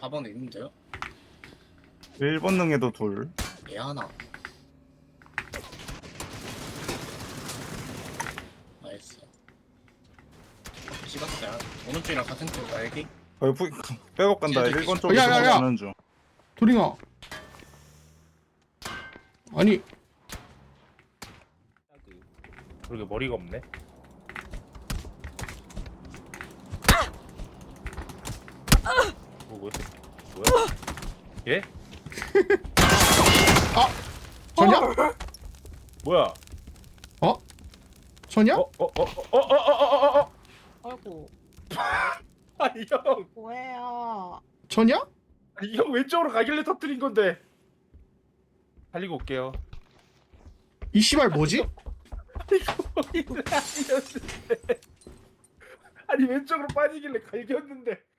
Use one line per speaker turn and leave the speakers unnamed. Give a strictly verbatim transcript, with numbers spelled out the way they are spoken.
사 번에 있는데요?
일 번 능에도 둘.
얘 하나. 나이스. 찍었어요. 오른쪽이랑 같은 쪽 날개?
어, 부, 백업 간다.
쟤도
일 번
있어.
쪽에서
야, 야, 야.
가는 중.
도링아. 아니
그러게 머리가 없네. 뭐 뭐야? 뭐야? 예?
전야?
뭐야?
어? 전야?
어? 어? 어? 어? 어? 어? 어? 어? 어?
아이고
아니 형,
뭐예요?
전야?
아니 형 왼쪽으로 가길래 터뜨린 건데. 달리고 올게요.
이 씨발 뭐지?
아니 왼쪽으로 빠지길래 갈겼는데